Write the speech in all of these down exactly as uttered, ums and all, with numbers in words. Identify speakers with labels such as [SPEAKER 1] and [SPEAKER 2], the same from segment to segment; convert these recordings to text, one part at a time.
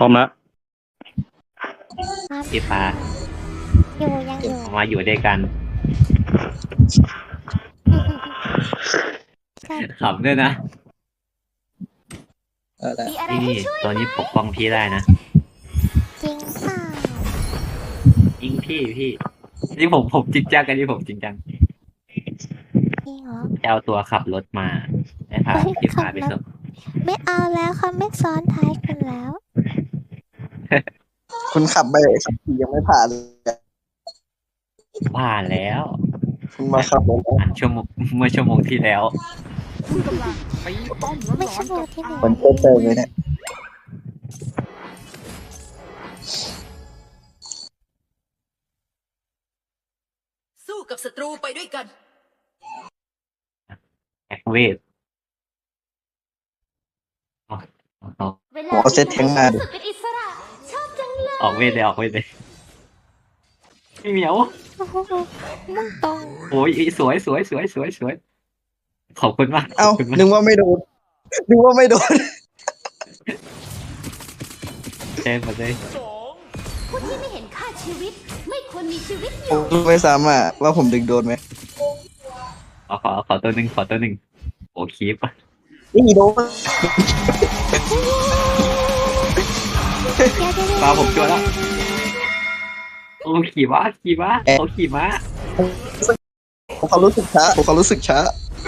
[SPEAKER 1] ร้อมแล้ว
[SPEAKER 2] ครับ
[SPEAKER 3] พี่ฟ้า
[SPEAKER 2] อยู่ยังอยู่
[SPEAKER 3] มาอยู่ด้วยกัน
[SPEAKER 2] ใช่
[SPEAKER 3] ขำด้วยนะ
[SPEAKER 4] เออได้
[SPEAKER 2] มีอะไร
[SPEAKER 3] นี่
[SPEAKER 2] ให้
[SPEAKER 3] นี่
[SPEAKER 2] ช่วย
[SPEAKER 3] ตอนนี้ปกป้องพี่ได้นะ
[SPEAKER 2] จริงเปล่า
[SPEAKER 3] ยิงพี่พี่นี่ผมผมจริงจังกันนี่ผมจริงจัง
[SPEAKER 2] จริงเหรอ
[SPEAKER 3] จะเอาตัวขับรถมาให้พา
[SPEAKER 2] เฮ้ย
[SPEAKER 3] พี่ฟ้า
[SPEAKER 2] ขับ
[SPEAKER 3] ไป
[SPEAKER 2] รถ
[SPEAKER 3] ส่ง
[SPEAKER 2] ไม่เอาแล้วเขาไม่ซ้อนท้ายกันแล้ว
[SPEAKER 4] คุณขับไปขับขี่ยังไม่ผ่านเลย
[SPEAKER 3] ผ่านแล้ว
[SPEAKER 4] คุณมาขับรถ
[SPEAKER 3] ผ่านชั่วโมงเมื่อชั่วโมงที่แล้ว
[SPEAKER 5] คุณกำลังไปป้อมร้อน
[SPEAKER 2] ไม่
[SPEAKER 5] ๆ
[SPEAKER 2] ใช่โม
[SPEAKER 5] กับ
[SPEAKER 2] ที่หนึ่ง
[SPEAKER 4] มันเพิ่มเติมเลยเนี่ย
[SPEAKER 6] สู้กับศัตรูไปด้วยกัน
[SPEAKER 3] แอคเวทออกออกออก
[SPEAKER 4] หัวเซตแทงมาดิ
[SPEAKER 2] เป็นอิสระชอบจังเลย
[SPEAKER 3] ออกเวทเลยออกเวทเลยพี่เหมียว
[SPEAKER 2] โอ้โหมุ่งตรง
[SPEAKER 3] โอ้ยสวยสวยสวยสวยสวยขอบคุณมากข
[SPEAKER 4] เอ้า
[SPEAKER 3] อบคุณมาก
[SPEAKER 4] นึกว่าไม่โดนนึกว่าไม่โดน
[SPEAKER 3] เต็มหมดเลย
[SPEAKER 2] ผู้ที่ไม่เห็นค่าชีวิต ไม่ควรมีชีวิตอ
[SPEAKER 4] ผ
[SPEAKER 2] ยู่
[SPEAKER 4] มไม่ซ้ำอ่ะว่าผมดึงโดนไหม
[SPEAKER 3] ขอขอขอตัวหนึ่งขอตัวหนึ่งโอ้คลิป
[SPEAKER 4] นี่โดน
[SPEAKER 3] ปลาผมชัวร์แล้วโอ้ขี่ม้าขี่ม้าเขาขี่ม้า
[SPEAKER 4] ผมเขารู้สึกช้าผมเขารู้สึกช้า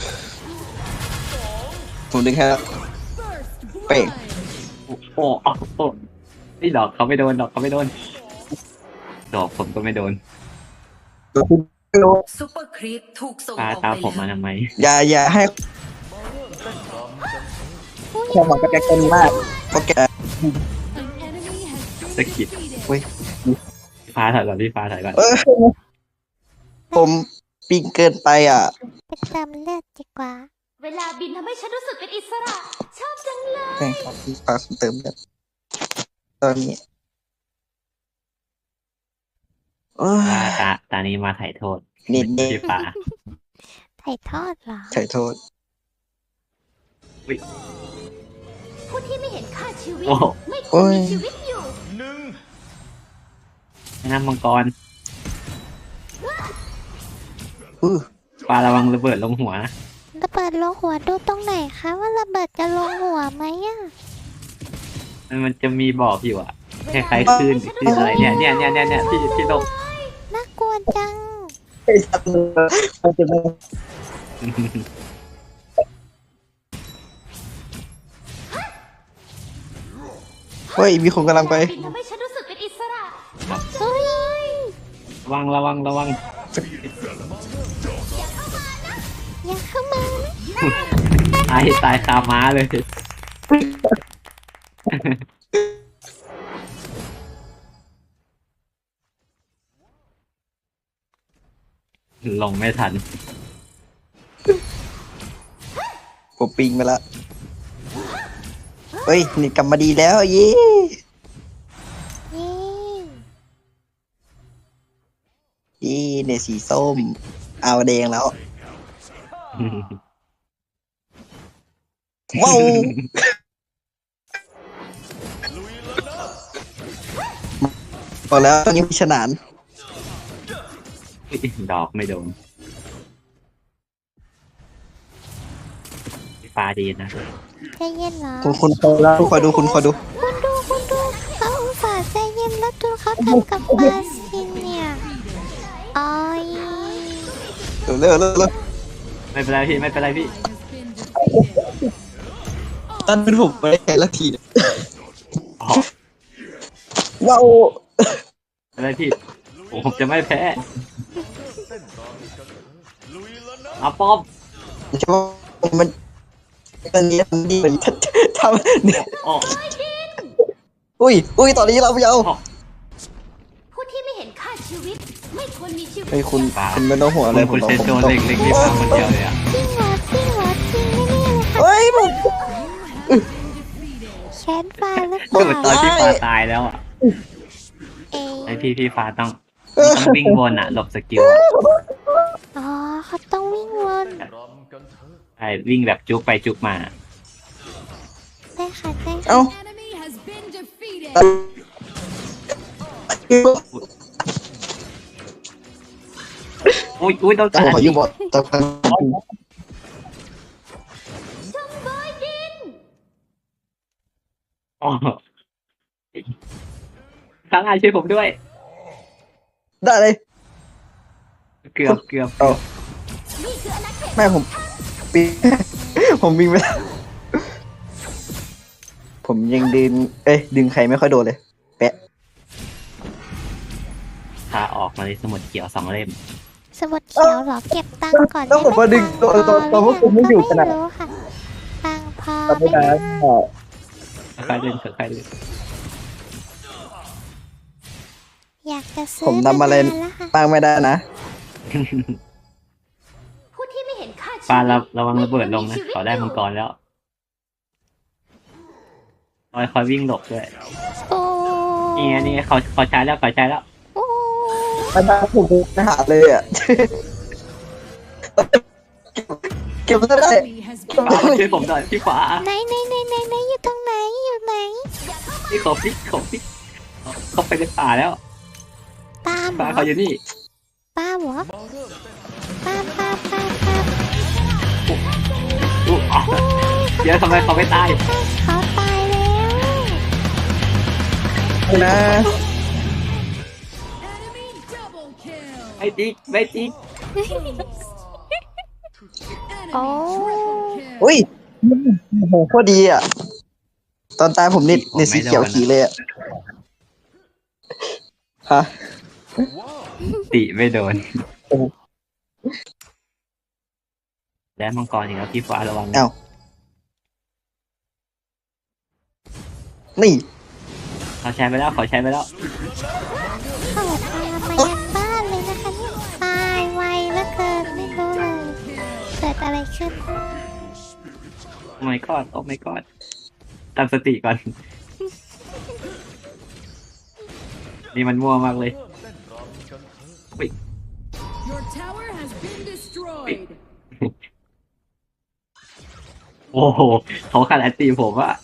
[SPEAKER 4] ผมดึงให้แล้วเป่ง
[SPEAKER 3] โอ้โอ้โอ้โอ้นี่ดอกเขาไม่โดนดอกเขาไม่โดนดอกผมก็ไม่โดน
[SPEAKER 4] ไม่โดน
[SPEAKER 6] ซุปเปอร์ครีปถูกส่ง
[SPEAKER 3] ปลา
[SPEAKER 6] ออก
[SPEAKER 3] ตาม
[SPEAKER 6] ไป
[SPEAKER 3] ผมมา
[SPEAKER 6] แล้ว
[SPEAKER 3] ทำไม
[SPEAKER 4] อย่าอย่าให้แค่หวังกับแกกันมากเพราะแก
[SPEAKER 3] สะกิด
[SPEAKER 4] เว้ย
[SPEAKER 3] พี่ฟ้าถอยก่อนพี่ฟ้าถอยก่อน
[SPEAKER 4] เออผมปิงเกินไปอ่ะ
[SPEAKER 2] ไปเติมเลือดดีกว่า เวลาบินทำให้ฉันรู้สึกเป็นอิสระ ชอบจังเลย
[SPEAKER 4] ใช่ครับพี่ฟ้าเติมแบบตอนนี้โอ้ย
[SPEAKER 3] ตาตาตานี้มาถ่ายโทษ
[SPEAKER 4] นิดเดียว
[SPEAKER 3] พี่ฟ้า
[SPEAKER 2] ถ่ายทอดเหรอ
[SPEAKER 4] ใช่โทษ
[SPEAKER 2] ผู้ที่ไม่เห็นค่าชีวิต
[SPEAKER 3] โอ้โห
[SPEAKER 2] ไม่ควรมีชีวิตอยู่
[SPEAKER 3] น้ำมังกร
[SPEAKER 4] อื้อ
[SPEAKER 3] ปลาระวังระเบิดลงหัวนะ
[SPEAKER 2] ระเบิดลงหัวดูตรงไหนคะว่าระเบิดจะลงหัวไหมอ่ะ
[SPEAKER 3] มันมันจะมีบอกอยู่อะคล้ายๆคลื่นคลื่นอะไรเนี่ยเนี่ยเนี่ยเนี่ยเนี่ยพี่พี่ลง
[SPEAKER 2] น่ากลัวจัง
[SPEAKER 4] ไอ้สัตว์มันจะไม่เฮ้ยมีคนกำลังไป
[SPEAKER 2] บินทำให้ฉันรู้สึกเป็นอิสระเฮ้ย
[SPEAKER 3] ระวังระวังระวัง
[SPEAKER 2] อย่าเข้ามานะ
[SPEAKER 3] ตายตายคาม้าเลยลงไม่ทัน
[SPEAKER 4] ผมปิงไปละเฮ้ยนี่กลับมาดีแล้วเย้
[SPEAKER 2] เย้
[SPEAKER 4] เย้เนี่ยสีส้ม เอาแดงแล้ว ว้าวบอกแล้วตอนนี้มีฉนาน
[SPEAKER 3] ดอกไม่โดนฟ้าดีนะ
[SPEAKER 2] ใจเย็นเหรอ
[SPEAKER 4] คุณคุณคอยแล้วคอยดูคุณคอยดู
[SPEAKER 2] คุณดูคุณดูเขาอุตส่าห์ใจเย็นแล้วดูเขาทำกับปลาซินเนี่ยอ้อย
[SPEAKER 4] เร็วเร็วเร็วเร็ว
[SPEAKER 3] ไม่เป็นไรพี่ไม่เป็นไรพี่
[SPEAKER 4] ตอนเป็นผมไม่ได้แค่ละทีเนี่ย
[SPEAKER 3] อ๋อ
[SPEAKER 4] ว้าว
[SPEAKER 3] ไม่เป็นไรพี่โอ้ผมจะไม่แพ้อาป้อม
[SPEAKER 4] ใช่ว่ามันมันนี้มันดีเหมือนทำเนี่ย
[SPEAKER 3] อ๋อ
[SPEAKER 4] อุ้ยอุ้ยตอนนี้เราไม่เอา
[SPEAKER 2] ผู้ที่ไม่เห็นค่าชีวิต ไม่ควรมีชีวิต
[SPEAKER 4] เฮ้ยคุณคุณไม่ต้องห่วงอะไร
[SPEAKER 3] คุณ
[SPEAKER 4] ผม
[SPEAKER 3] คุณเซนโจเล็กเล็กนี่ฟ้าคนเดียวเลยอ่ะ
[SPEAKER 2] จริงเหรอจริงเหรอจริงไม่นี่เลยค่ะ
[SPEAKER 4] เฮ้ยผม
[SPEAKER 2] แชนฟ้าหรือเป
[SPEAKER 3] คือตอน
[SPEAKER 2] ล่า
[SPEAKER 3] ที่ฟ้าตายแล้วอ่ะ
[SPEAKER 2] เอ
[SPEAKER 3] ไอพี่พี่ฟ้าต้องต้องวิ่งวนอ่ะหลบสกิลอะ
[SPEAKER 2] อ๋อเขาต้องวิ่งวน
[SPEAKER 3] ใช่วิ่งแบบจุกไปจุกมา
[SPEAKER 2] ได้ค่ะได้ค่ะ
[SPEAKER 4] เอ้า
[SPEAKER 3] อุ้ยอุ้ยต้อง
[SPEAKER 4] จะ
[SPEAKER 3] การ
[SPEAKER 4] ขออยู่บอจะพัง
[SPEAKER 3] อ๋อข้างหน้าช่วยผมด้วย
[SPEAKER 4] ได้เลย
[SPEAKER 3] เกือบเกือบ
[SPEAKER 4] เอาแม่ผมปีน ผมวิ่งไปแล้วผมยังดึงเอ้ยดึงใครไม่ค่อยโดนเลยแปะ
[SPEAKER 3] พาออกมาเลยสมุดเขียวสองเล่ม
[SPEAKER 2] สมุดเขียวเหรอเก็บตังค์ก่อน
[SPEAKER 4] แล้วผมมาดึงตัวตัวตัวพวกคุณไม่อยู่ขนาด
[SPEAKER 2] ไม่รู้ค่ะตังค์พอ
[SPEAKER 4] ตอน
[SPEAKER 2] ไหม
[SPEAKER 4] นี้นะ
[SPEAKER 2] นะ
[SPEAKER 3] ใครเล่นใครเล่น
[SPEAKER 2] อยากจะซื้อ
[SPEAKER 4] ผมทำอะไร
[SPEAKER 2] มานานแล้วค่ะ
[SPEAKER 4] บ้างไม่ได้นะ
[SPEAKER 1] ผู้ที่ไม่เห็นค่าชีวิต
[SPEAKER 3] ปาระระวังระเบิดลงนะขอได้มังกรแล้วคอยคอยวิ่งหลบด้วย
[SPEAKER 2] โอ้
[SPEAKER 3] นี่ไงนี่ไงเขาเขาใช้แล้วเขาใช้แล้ว
[SPEAKER 2] โอ้
[SPEAKER 4] ไม่ได้ผมไม่หาเลยอ่ะ เก็บไม่ได้
[SPEAKER 3] ฟ้ามาช่วยผมหน่อยพี่ฟ้า
[SPEAKER 2] ไหนไหนไหนไหนไหนอยู่ตรงไหนอยู่ไหน
[SPEAKER 3] พี่ขอพี่ขอพี่เขาไปในป่าแล้ว
[SPEAKER 2] ตามเหร
[SPEAKER 3] ป่า
[SPEAKER 2] อ
[SPEAKER 3] เขาอยู่นี่
[SPEAKER 2] ป้าเหรอป้าป้าป้าป้า
[SPEAKER 3] อุ๊ยอ๋อเดี๋ยวทำไมเขาไม่ตาย
[SPEAKER 2] เขาตายแล้ว
[SPEAKER 4] นะ
[SPEAKER 3] ไม่จริงไม่จริง
[SPEAKER 2] โอ้
[SPEAKER 4] อุ้ยโอ้โหโคตรดีอ่ะ ตอนตายผมนิดในสีเขียวขีเลยอ่ะ ฮะ
[SPEAKER 3] ติไม่โดน
[SPEAKER 4] โอ้โห
[SPEAKER 3] และมังกรอีกแล้วพี่ฟ้าระวัง
[SPEAKER 4] เอ้า นี่
[SPEAKER 3] เขาใช้ไปแล้วเขาใช้ไปแล้ว
[SPEAKER 2] เขาตามมายันบ้านเลยนะคะเนี่ยตายไวเหลือเกินไม่รู้เลยเกิดอะไรขึ้น
[SPEAKER 3] โอ้ my god โอ้ my god ตั้งสติก่อน นี่มันมั่วมากเลย
[SPEAKER 6] Your tower has been destroyed
[SPEAKER 3] โอ้โหเขาขาดแอนตีผมอะ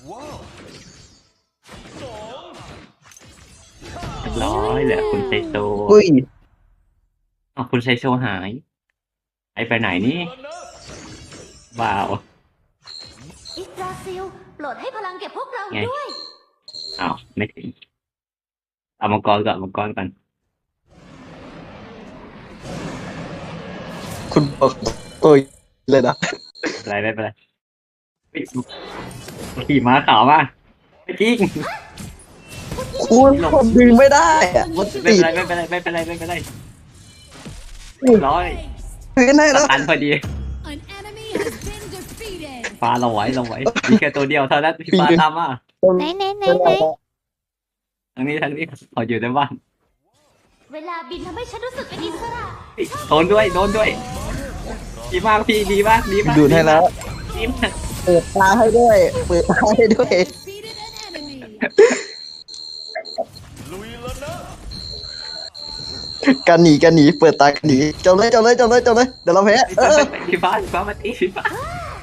[SPEAKER 3] เรียบร้อยเหลือคุณไซโซ
[SPEAKER 4] อุ้ย
[SPEAKER 3] อ้าวคุณไซโซหาย ไอไปไหนนี่ว้าว
[SPEAKER 1] อิสราซิลโปรดให้พลังแก่พวกเรา
[SPEAKER 3] ไง
[SPEAKER 1] ด้วย
[SPEAKER 3] อ้าวไม่ถึงเอามังกรก่อนมังกรก่อน
[SPEAKER 4] คุณบอกตัวเลยนะ
[SPEAKER 3] อะไรไม่เป็นไรเฮ้ยขี่ม้าขาวมาไม่จริง
[SPEAKER 4] คุณผมดึงไม่ได้อ่ะมัน
[SPEAKER 3] ไม่
[SPEAKER 4] ติ
[SPEAKER 3] เป็น
[SPEAKER 4] ด
[SPEAKER 3] ไรไม่เป็นไรไม่เป็นไรไม่เป็นไรร้อย
[SPEAKER 4] พื้นให้
[SPEAKER 3] ส
[SPEAKER 4] แล้ว
[SPEAKER 3] ตันพอดี
[SPEAKER 6] An enemy has been defeated
[SPEAKER 3] ฟ้าเราไว้เราไว้มีแค่ตัวเดียวเท่านั้นพี่ฟ้าตามมา
[SPEAKER 2] ไหนไหนไหนไหน
[SPEAKER 3] ทางนี้ทางนี้เขาอยู่ในบ้าน
[SPEAKER 1] เวลาบินทำให้ฉันรู้สึกเป็นอิสระ
[SPEAKER 3] เฮ้ยโดนด้วยโดนด้วยดีมากพี่ดีมากดีมาก
[SPEAKER 4] ดูดให้แล้ว
[SPEAKER 3] ดีมาก
[SPEAKER 4] เปิดตาให้ด้วย เปิดตาให้ด้วย
[SPEAKER 6] defeated an enemy
[SPEAKER 4] กันหนีกันหนีเปิดตากันหนีจบเลยจบเลยจบเลยจบเลยเดี๋ยวเราแพ้เออ
[SPEAKER 3] พี่ฟ้าพี่ฟ้ามาตีพี่ฟ้า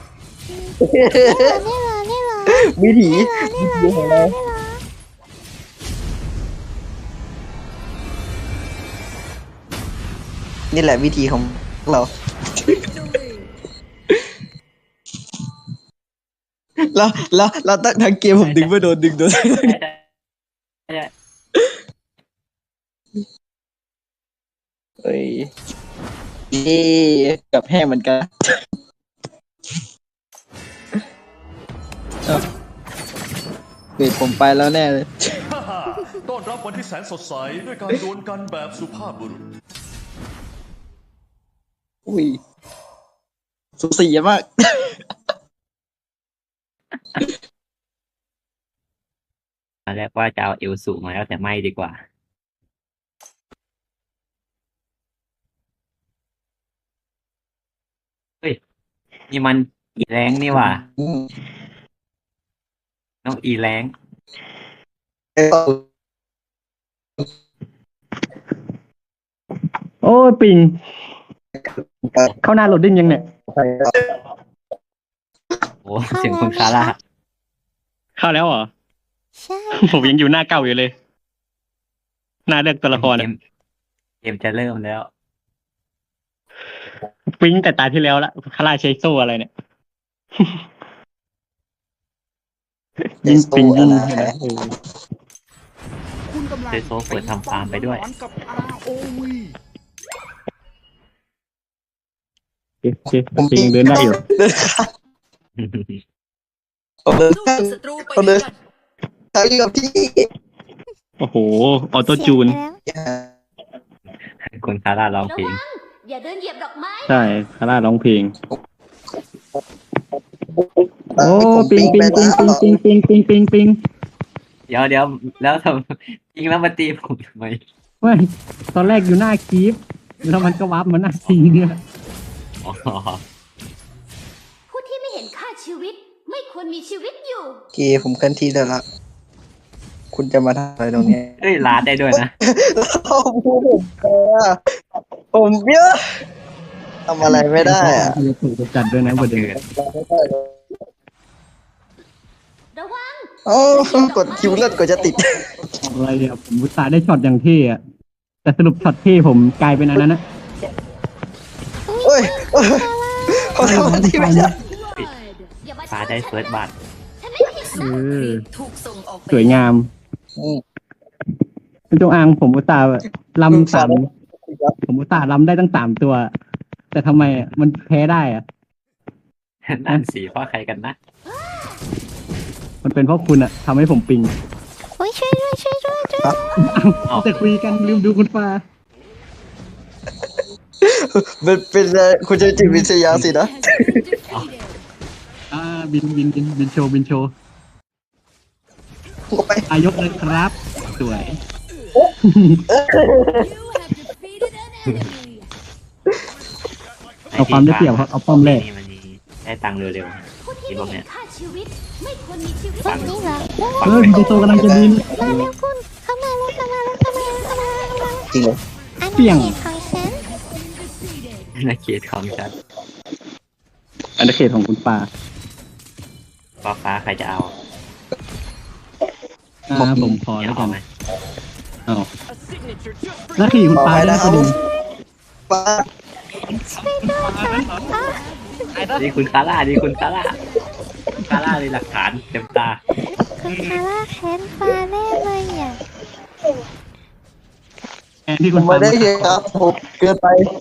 [SPEAKER 2] นี่เหรอนี่เหรอ
[SPEAKER 4] วิถี
[SPEAKER 2] นี่เหรอ
[SPEAKER 4] วิถีของเรา
[SPEAKER 2] นี่เหรอ
[SPEAKER 4] นี่แหละวิธีของเรา แล้วแล้วแล้วตั้งทางเกมผมดึงไม่โดนดึงโดน เฮ้ยเอ๊กับแห้งเหมือนกันเอ้าเฮ้ยผมไปแล้วแน่เลย
[SPEAKER 7] ต้อนรับวันที่แสนสดใสด้วยการดวลกันแบบสุภาพบุรุษ
[SPEAKER 4] อุ้ยสุสีมาก
[SPEAKER 3] ตอนแรกว่าจะเอาเอวสูงมาแล้วแต่ไม่ดีกว่าเฮ้ยนี่มันอีแรงนี่หว่าน้องอีแรง
[SPEAKER 5] โอ้ยปิง เข้าหน้าโหลดดิ้งยังเนี่ย
[SPEAKER 3] โอ้เสียงคุณคาร่า
[SPEAKER 5] เข้าแล้วเหรอ
[SPEAKER 2] ใช่
[SPEAKER 5] ผมยังอยู่หน้าเก่าอยู่เลย หน้าเลือกตัวละคร
[SPEAKER 3] เก
[SPEAKER 5] อะ
[SPEAKER 3] มเกมจะเริ่มแล้ว
[SPEAKER 5] ปิ้งแต่ตาที่แล้วละคาราเชโซอะไรเนี่ย ยิ่งปิ้งยิ่งเห็นไหมเออ
[SPEAKER 7] คุณกำลัง
[SPEAKER 3] เซโซเปิดทำฟาร์มไปด้วย
[SPEAKER 7] กับ อาร์ โอ วี
[SPEAKER 5] โอเคโอเคปิ้งยังเดินได้อยู่
[SPEAKER 4] เดินข้ามผมเดินข้ามผมเดินข้ามอยู่กับพี่
[SPEAKER 5] โอ้โห ออโต้จูน
[SPEAKER 2] เสียไปแล้ว
[SPEAKER 3] คุณคาร่าร้อง
[SPEAKER 1] ระ
[SPEAKER 3] เพลง
[SPEAKER 1] วัง อย่าเดินเหยียบดอกไม้
[SPEAKER 5] ใช่คาร่าร้องเพลง
[SPEAKER 4] เอ
[SPEAKER 5] โอ้
[SPEAKER 4] อผม
[SPEAKER 5] ปิงปิง
[SPEAKER 4] ไป
[SPEAKER 5] ปิง
[SPEAKER 4] แล้ว
[SPEAKER 5] ปิงปิงปิงปิงปิงปิง
[SPEAKER 3] เดี๋ยวเดี๋ยวแล้วทำยิงแล้วมาตีผมทำไม
[SPEAKER 5] ไม่ตอนแรกอยู่หน้าคีฟแล้วมันก็วับมาหน้าทีเนี่ย
[SPEAKER 3] อ๋อ
[SPEAKER 1] ผู้ที่ไม่เห็นค่าชีวิต ไม่ควรมีชีวิตอยู่
[SPEAKER 4] โอเคผมเคลื่อนที่ได้ละคุณจะมาทำอะไรตรงนี้
[SPEAKER 3] เอ้ยลาดได้ด้วยนะ
[SPEAKER 4] เราพูดผมเออผมเยอะทำอะไรไม่ได้อะ
[SPEAKER 5] จะถูกจัดด้วยนะประเด็น
[SPEAKER 1] ระวัง
[SPEAKER 4] โอ้กดคิวเลือดกว่าจะติด
[SPEAKER 5] อะไรเนี่ยผมอุตส่าห์ได้ช็อตอย่างเท่อะแต่สรุปช็อตเท่ผมกลายเป็นอันนั้นนะ
[SPEAKER 4] เอ้ยเอ้ยเขาทำที่ไม่ได้
[SPEAKER 6] Blood.
[SPEAKER 1] อย่ามา
[SPEAKER 3] ฟ้าได้เฟิร์สบัต
[SPEAKER 1] ฉันไม่ผิด
[SPEAKER 5] เอ
[SPEAKER 1] นะ
[SPEAKER 5] อสวยงาม
[SPEAKER 4] อืม
[SPEAKER 5] เป็นจงอางผมอุตส่าห์ลำสามผมอุตส่าห์ลำได้ตั้งสามตัว แต่ทำไมอะมันแพ้ได้อะ
[SPEAKER 3] นั่นสีเพราะใครกันนะ
[SPEAKER 5] มันเป็นเพราะคุณอะทำให้ผมปิง
[SPEAKER 2] โอ้ยช่วยด้วยช่วยด้วยช่วยด้วย
[SPEAKER 3] อ้าว
[SPEAKER 5] จะคุยกันลืมดูคุณฟ้า
[SPEAKER 4] เป็นเป็นอะไรคุณจะจิตวิทยาสินะ
[SPEAKER 6] Has been defeated.
[SPEAKER 5] อ่าบินบินบินบินโชว์บินโชว์
[SPEAKER 4] ผมไป
[SPEAKER 5] อายกเลยครับ สวย
[SPEAKER 6] You have defeated an enemy.
[SPEAKER 5] เอาความได้เปรียบครับเอาป้อมแรก
[SPEAKER 3] นี่มันมีได้ตังค์เร็ว
[SPEAKER 1] ผู้ที่ไม่เห็นค่าชีวิต ไม่ควรมีชีวิต
[SPEAKER 2] ตรงนี้เหรอ
[SPEAKER 3] ๆ
[SPEAKER 5] เออบินโชว์กำลังจะบิน
[SPEAKER 2] มาเร็วคุณเข้ามาเร็วเข้ามาเร็วเข้ามาเร็วเข้ามาเร็วเข้ามา
[SPEAKER 4] จริงเหรอ
[SPEAKER 2] อัน
[SPEAKER 5] เปรี้ย
[SPEAKER 2] นี้
[SPEAKER 5] ง
[SPEAKER 2] เขตของฉัน
[SPEAKER 6] Defeated.
[SPEAKER 3] นาเขตของฉัน
[SPEAKER 5] อันดับเขตของคุณปา
[SPEAKER 3] ฟ้าฟ้าใครจะเอา
[SPEAKER 5] อ่าผมพอ
[SPEAKER 3] เนี่ย
[SPEAKER 5] แล้วกั
[SPEAKER 3] เอา
[SPEAKER 5] น
[SPEAKER 3] ไหม
[SPEAKER 5] เอาแล้วขี่คุณปาได้ประเด็น
[SPEAKER 4] ป้า
[SPEAKER 3] นี่คุณคาร่านี่คุณคาร่าคุณคาร่าเลยหลักฐานเต็มตา
[SPEAKER 2] คุณคาร่าแค้นฟ้าแน่เลยอ่ะ
[SPEAKER 5] แทนที่
[SPEAKER 4] ผ
[SPEAKER 5] คุ
[SPEAKER 4] ม
[SPEAKER 5] ณ
[SPEAKER 4] ไม่
[SPEAKER 5] ปา
[SPEAKER 4] ได้เห็นครับผมเกินไป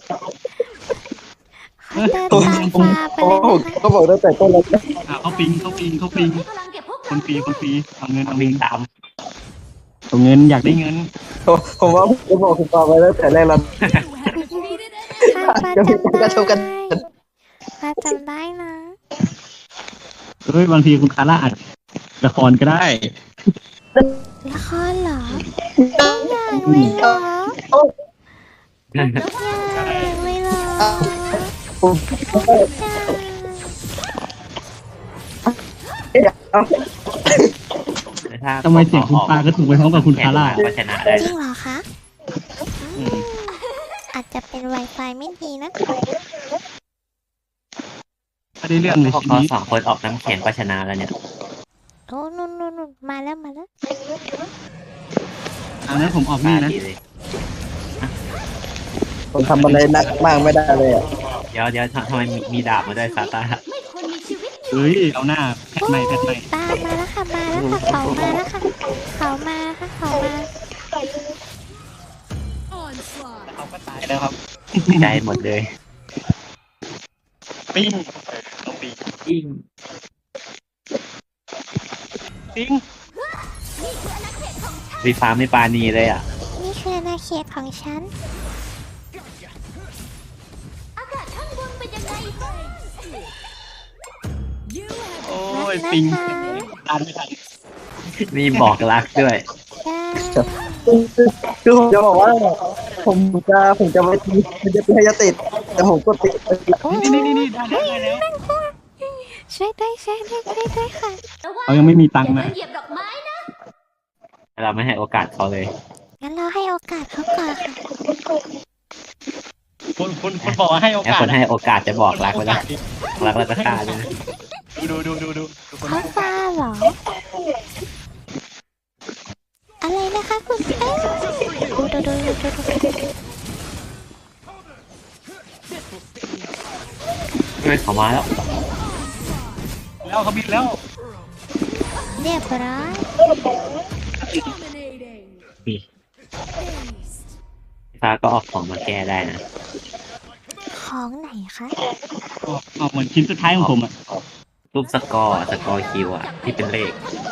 [SPEAKER 2] เขาเดินตามฟ้าไป
[SPEAKER 4] โอ้
[SPEAKER 2] เลย
[SPEAKER 4] โห
[SPEAKER 2] นะคะ
[SPEAKER 4] เขาบอกตั้งแต่ต้นแล้ว
[SPEAKER 5] อ่าเขาปิงเขาปิงเขาปิง
[SPEAKER 1] ให้พลังแก่พวก
[SPEAKER 5] ค
[SPEAKER 1] เรา
[SPEAKER 5] นปีคนปีเอาเงินเอา
[SPEAKER 3] วิ่
[SPEAKER 5] เงิ
[SPEAKER 3] ง
[SPEAKER 5] น
[SPEAKER 3] ตาม
[SPEAKER 5] เอาเงินอยากได้เงิน
[SPEAKER 4] ผมว่าผมจะบอกคุณปาไปตั้งแต่แรกแล้ว
[SPEAKER 6] You have defeated an
[SPEAKER 2] ฟ้า
[SPEAKER 6] enemy.
[SPEAKER 2] ฟ้าจำ
[SPEAKER 4] กระทบกัน
[SPEAKER 2] ได้ฟ้าจำได้นะ
[SPEAKER 5] เฮ้ยบางทีคุณคาร่าอัดละครก็ได้
[SPEAKER 2] ละครเหรอทุกอย่างเลยเหรอทุกอย่างเลยเหรอ
[SPEAKER 4] ผม
[SPEAKER 2] ทุกอย่าง
[SPEAKER 3] ถ้า
[SPEAKER 5] ทำไมเสียงคุณปาก็ถูกไปพร้อมกับคุณคาร่า
[SPEAKER 3] ก็ชนะได้
[SPEAKER 2] จริ
[SPEAKER 3] นะ
[SPEAKER 2] งเหรอคะอืมอาจจะเป็น Wi-Fi ไม่ดีนะ
[SPEAKER 5] ไม่ได้เรื่องเลย
[SPEAKER 3] พวก
[SPEAKER 5] ชี
[SPEAKER 3] เขา
[SPEAKER 5] วิต
[SPEAKER 3] สองคนออกน้ำแข็งก็ชนะแล้วเนี่ย
[SPEAKER 2] โอ้นุ่นนุ่นนุ่นมาแล้วมาแล้ว
[SPEAKER 5] อันนั้นผมออกนี่นะ
[SPEAKER 3] ดีเลย
[SPEAKER 4] ผมทำอะไรหนักมากไม่ได้เลยอ่ะ
[SPEAKER 3] เดี๋ยวเดี๋ยวทำไมมีมีดาบมาด้วยซาต้า
[SPEAKER 1] ไม่ควรมีชีวิตอยู่
[SPEAKER 5] เฮ้ยเอาหน้าแพทใหม่แพทใหม่
[SPEAKER 2] ตามมาแล้วค่ะมาแล้วค่ะเขามาแล้วค่ะเขามาค่ะเขามา
[SPEAKER 6] Onslaught.
[SPEAKER 5] เขาก็ตายแล้วครับ
[SPEAKER 3] ใจหมดเลย
[SPEAKER 5] ปิ้งต้องปิ้ง
[SPEAKER 3] ยิ่ง
[SPEAKER 5] ปิ้ง
[SPEAKER 3] วีฟ้าไม่ปานีเลยอ่ะ
[SPEAKER 2] นี่คืออาณาเขตของฉัน
[SPEAKER 1] อากาศข้างบนเป็นยังไงบ้าง
[SPEAKER 6] You have
[SPEAKER 5] โอ้
[SPEAKER 2] รั
[SPEAKER 5] ย
[SPEAKER 2] กนะ
[SPEAKER 5] ปิ้ง
[SPEAKER 2] คะ
[SPEAKER 5] ตามไม่ทัน
[SPEAKER 3] มีบอกรักด้วย
[SPEAKER 2] ใช่
[SPEAKER 4] คือผมจะบอกว่า ผมจะผมจะไปทีมันจะเป็นยาติด แต่ผมก็ติด
[SPEAKER 2] โอ้
[SPEAKER 5] นี่นี่นี่ได้ได้ได้แล้ว
[SPEAKER 2] ช่วยด้วยช่วยด้วยช่วยด้วยค่ะ
[SPEAKER 1] ระวัง
[SPEAKER 5] เขายังไม่มีตังค์
[SPEAKER 1] อย่า
[SPEAKER 5] นะ
[SPEAKER 1] เดินเหยียบดอกไม้นะ
[SPEAKER 3] เราไม่ให้โอกาสเขาเลย
[SPEAKER 2] งั้นเราให้โอกาสเขาก่อนค่ะ
[SPEAKER 5] คุณคุณคุณบอกว่าให้โอ
[SPEAKER 3] แล้ว
[SPEAKER 5] กาส
[SPEAKER 3] คนให้โอกาสจะบอกรักไว้แล้วรักแล้วก็ฆ่าเลยนะ
[SPEAKER 5] ดูดูดูดูดูดูคน
[SPEAKER 2] เขาฟ้าเหรออะไรนะคะคุณเอ้ยดูดูดูดูดูดู
[SPEAKER 3] ไม่เขามาแล้ว
[SPEAKER 5] แล้วเขาบินแล้ว
[SPEAKER 2] เรียบร้อย
[SPEAKER 6] Dominating.
[SPEAKER 3] นี่
[SPEAKER 6] Aced.
[SPEAKER 3] ฟ้าก็ออกของมาแก้ได้นะ
[SPEAKER 2] ของไหนคะ
[SPEAKER 5] ออกออกเหมือนชิ้นสุดท้ายของผมอ่ะ
[SPEAKER 3] รูปสกอร์สกอร์คิวอะที่เป็นเลข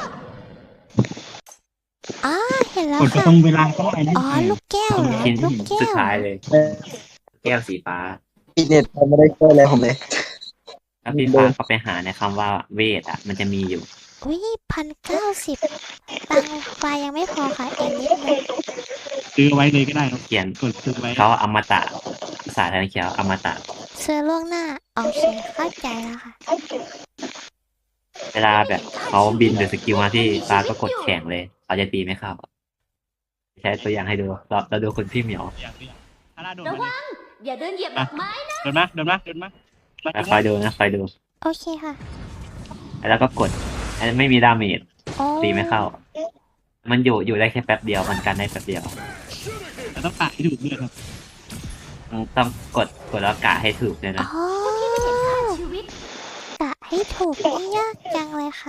[SPEAKER 2] อ๋อเห็นแล้ว
[SPEAKER 5] กดไป
[SPEAKER 2] ค่ะ
[SPEAKER 5] ตรงเวลาก็ได้นะ
[SPEAKER 2] อ๋อลูกแก้วเหรอ
[SPEAKER 3] ชิ้น
[SPEAKER 2] ลูกแก้
[SPEAKER 3] สุด
[SPEAKER 2] ว
[SPEAKER 3] ท้ายเลย แก้วสีฟ้า
[SPEAKER 4] พี่เน็ตเขาไม่ได้ช่วยอะไรผมเลย
[SPEAKER 3] ถ้าพี่ฟ้าเข้าไปหาในคำว่าเวทอะมันจะมีอยู่
[SPEAKER 2] อุ้ยพันเก้าสิบตังค์ไฟยังไม่พอค่ะอีกนิดนึง
[SPEAKER 5] ซื้อไว้เลยก็ได้ครับ
[SPEAKER 3] เขียน
[SPEAKER 5] กดซื้อไว้
[SPEAKER 3] เขาอมตะภาษาไทยเขียวอมตะ
[SPEAKER 2] ซื้อล่วงหน้าโอเคเข้าใจแล้วค่ะ
[SPEAKER 3] เวลาแบบเขาบินหรือสกิลมาที่ฟ้าก็กดแข่งเลยเขาจะตีไม่เข้าใช้ตัวอย่างให้ดูเราเราดูคนพี่เหมียว
[SPEAKER 5] อย่างนี้ถ้าหน้าโดน
[SPEAKER 1] ระ
[SPEAKER 5] มา
[SPEAKER 1] วัง อย่าเดินเหยียบดอกไม้นะ
[SPEAKER 5] เดินมาเดินมาเดินมามา
[SPEAKER 3] แล้วคอยดูนะคอยดู
[SPEAKER 2] โอเคค่ะ
[SPEAKER 3] แล้วก็กดอันนั้นไม่มีดาเมจ
[SPEAKER 2] โอ้
[SPEAKER 3] ตีไม่เข้า มันอยู่อยู่ได้แค่แป๊บเดียวมันกันได้แป๊บเดียว
[SPEAKER 5] แต่ต้องปะให้ถูกด้วยครับ
[SPEAKER 3] ต้องกดกดแล้วกะให้ถูกเลยนะ
[SPEAKER 2] อ๋อ
[SPEAKER 1] ชีวิต
[SPEAKER 2] กะให้ถูกนี่ยากจังเลยค่ะ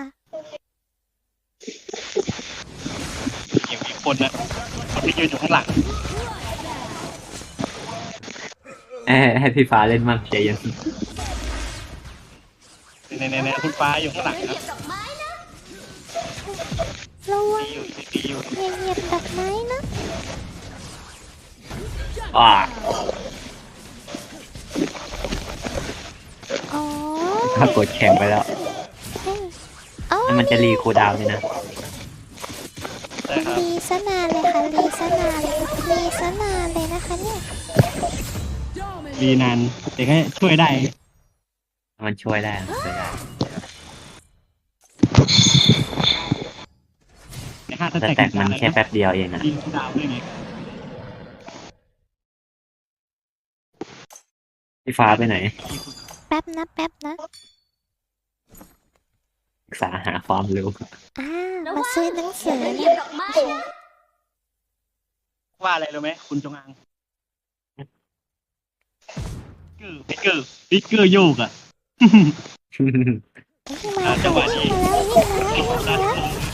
[SPEAKER 5] อย่างมีคนนะคนที่ยืนอยู่ข้างหลัง
[SPEAKER 3] เอ้ยให้พี่ฟ้าเล่นมั่งใจเย็น
[SPEAKER 5] ในในในคุณฟ้าอยู่ข้างหลัง
[SPEAKER 1] เดิน
[SPEAKER 5] ค
[SPEAKER 1] เห
[SPEAKER 5] รับ
[SPEAKER 1] ยียบดอกไม้นะ
[SPEAKER 2] ระวัง
[SPEAKER 5] ตีอยู่ตีอยู่
[SPEAKER 2] อย่าเหยียบดอกไม้นะ
[SPEAKER 3] อ่า
[SPEAKER 2] อ๋อ
[SPEAKER 3] ถ้ากดแข่งไปแล้ว
[SPEAKER 2] เฮ้ยอ๋อ
[SPEAKER 3] แล้วมันจะรีคูลดาวน์เลยนะ
[SPEAKER 5] ใช่ครับ
[SPEAKER 2] รีสนานเลยค่ะรีสนานเลยรีสนานเลยนะคะเนี่ย
[SPEAKER 5] ดีนานแต่แค่ช่วยได้
[SPEAKER 3] มันช่วยได้มันช่วยได้
[SPEAKER 5] ในห้าส
[SPEAKER 3] แต่
[SPEAKER 5] แต็ก
[SPEAKER 3] แตกมันแค่แป๊บเดียวเองนะ
[SPEAKER 5] ยิงดาวด้วยไง
[SPEAKER 3] พี่ฟ้าไปไหน
[SPEAKER 2] แป๊บนะแป๊บนะ
[SPEAKER 3] ศึกษาหาความรู้
[SPEAKER 2] อ่ามาซื้อหนังสือ
[SPEAKER 1] เดินเหยี
[SPEAKER 2] เนี่ย ย
[SPEAKER 1] บดอกไม้นะ
[SPEAKER 5] ว่าอะไรรู้ไหมคุณจงอางบิ๊กเกอร์บิ๊กเกอร์บิ๊กเกอร์โยกอ่ะ
[SPEAKER 2] มา
[SPEAKER 5] จังหวะนี้
[SPEAKER 2] มาแล้วนี่มาแล้วนี่มาแล้ว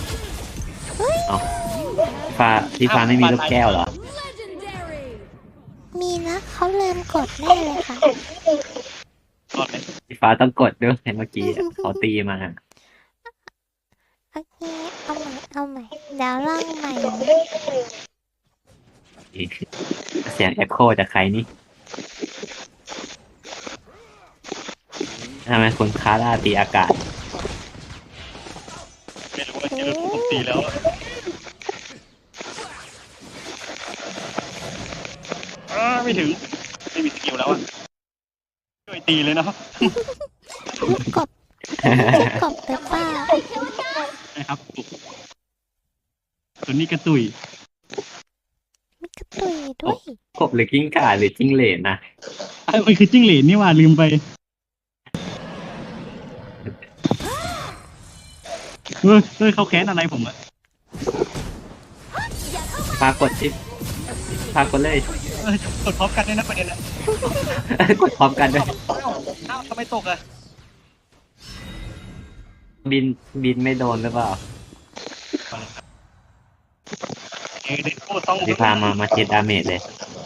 [SPEAKER 3] ฟ้าพี่ฟ้าไม่มีลูกแก้วเหรอ
[SPEAKER 6] Legendary.
[SPEAKER 2] มีนะเขาลืมกดแน่เลยค่ะ
[SPEAKER 5] ก่อนเลย
[SPEAKER 3] พี่ฟ้าต้องกดด้วยเมื่อกี้เขาตีมา
[SPEAKER 2] โอเคเอาใหม่เอาใหม่เดี๋ยวลองใหม่นะ
[SPEAKER 3] เสียงเอ็โคจากใครนี่ทำไมคุณคาร่าตีอากาศ
[SPEAKER 5] ไม่รู้ว่าเจอผมตีแล้วอ้าไม่ถึงไม่มีสกิลแล้วอ่ะช่วยตีเลยเนาะ
[SPEAKER 2] ลูกกบลูกกบหรือเปล่า
[SPEAKER 5] นะครับส่วนนี้กระตุย
[SPEAKER 2] มีกระตุยด้วย
[SPEAKER 3] กบหรือกิ้งก่าหรือจิ้งเหลนนะ
[SPEAKER 5] เอ้ยมันคือจิ้งเหลนนี่หว่าลืมไปเฮ้ยเฮ้ยเขาแค้นอะไรผมอ่ะ
[SPEAKER 3] ฟ้ากดชิปฟ้ากดเลย
[SPEAKER 5] เอ้ยกดพร้อมกันด้วยนะประเด็นอ่ะ
[SPEAKER 3] กดพร้อมกันด้วย
[SPEAKER 5] เอ้าทำไมตกอ่ะ
[SPEAKER 3] บินบินไม่โดนหรือเปล่า
[SPEAKER 5] เอ้ยเด็กพูดต้อง
[SPEAKER 3] พี่พามามาเช็ดดาเมจเลย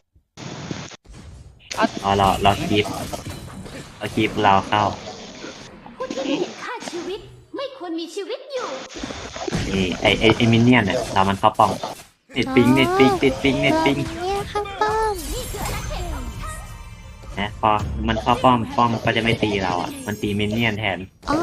[SPEAKER 3] อ๋อเราเราคีบเราคีบเราเข้า
[SPEAKER 1] ผู้ที่ไม่เห็นค่าชีวิต ไม่ควรมีชีวิตอยู่
[SPEAKER 3] นี่ไอไอไอมินเนี่ยนเนี่ยเรามันเข้าป้องเน็ตปิงเน็ตปิงเน็ตปิงเน็ตปิง
[SPEAKER 2] เนี่ยข้าวต้ม
[SPEAKER 3] นะพอมันเข้าป้อมป้อมก็จะไม่ตีเราอ่ะมันตีมินเนี่ยนแทน
[SPEAKER 2] อ๋อ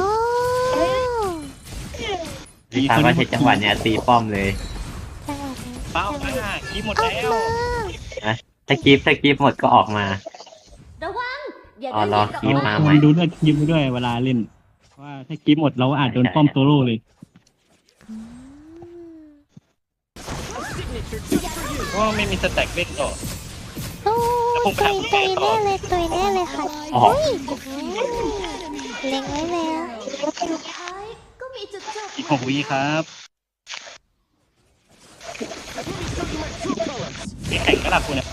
[SPEAKER 3] พี่พาว่าใช้จังหวะเนี้ยตีป้อมเลย
[SPEAKER 2] จังหวะนี้
[SPEAKER 5] เป้ามาคีบหมด
[SPEAKER 2] ออก
[SPEAKER 5] แล้ว
[SPEAKER 2] มา
[SPEAKER 3] ถ้าคีบถ้าคีบหมดก็ออกมา
[SPEAKER 1] ระวัง อย่า
[SPEAKER 3] อ๋อ
[SPEAKER 1] เดินเห
[SPEAKER 3] รอ
[SPEAKER 1] ยียบดอก
[SPEAKER 3] คีบ
[SPEAKER 1] ไม้
[SPEAKER 3] มาใหม่
[SPEAKER 5] ดูด้วยยิมไปด้วยเวลาเล่นว่าถ้ากีบหมดเราอาจโดนป้อมโซโล่เลย
[SPEAKER 2] อืม
[SPEAKER 5] เพราะว่าไม่มีสแต็กเล่นต่อ
[SPEAKER 2] โอ้ตุยตุยแน่เลยตุยแน่เลยค่ะ
[SPEAKER 3] อ๋อ
[SPEAKER 2] อุ้ยเล็งไว้แล้ว
[SPEAKER 1] สุดท้ายก็มีจุดจบ
[SPEAKER 5] อีกหกวิครับแข่งกระดับคุณเนี่ย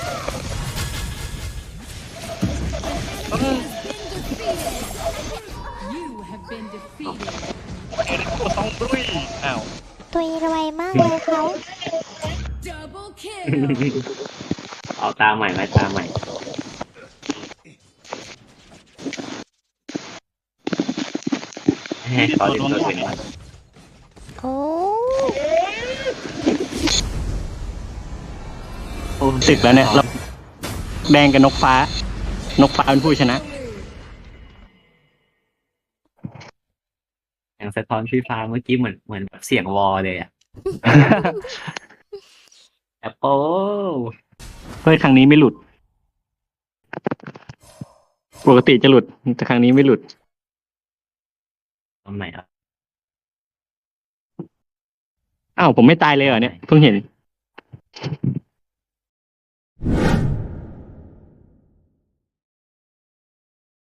[SPEAKER 6] You have been defeated.
[SPEAKER 5] เอ็นกูต้องดุยอ้าว
[SPEAKER 2] ตุยรวยมากเลยเขา
[SPEAKER 6] Double kill.
[SPEAKER 3] เอาตาใหม่ไหมตาใหม่ให้ขอดึงตัวถึง
[SPEAKER 2] โอ้
[SPEAKER 5] โอ้สึกแล้วเนี่ยเราแดงกับนกฟ้า นกฟ้าเป็นผู้ชนะ
[SPEAKER 3] อย่างสะท้อนพี่ฟ้าเมื่อกี้เหมือนเหมือนแบบเสียงวอลเลยอะแอปเปิล
[SPEAKER 5] เฮ้ยครั้งนี้ไม่หลุด ปกติจะหลุด แต่ครั้งนี้ไม่หลุด
[SPEAKER 3] ตรงไหนอ่ะ
[SPEAKER 5] อ้าวผมไม่ตายเลยเหรอเนี่ยเพิ่งเห็น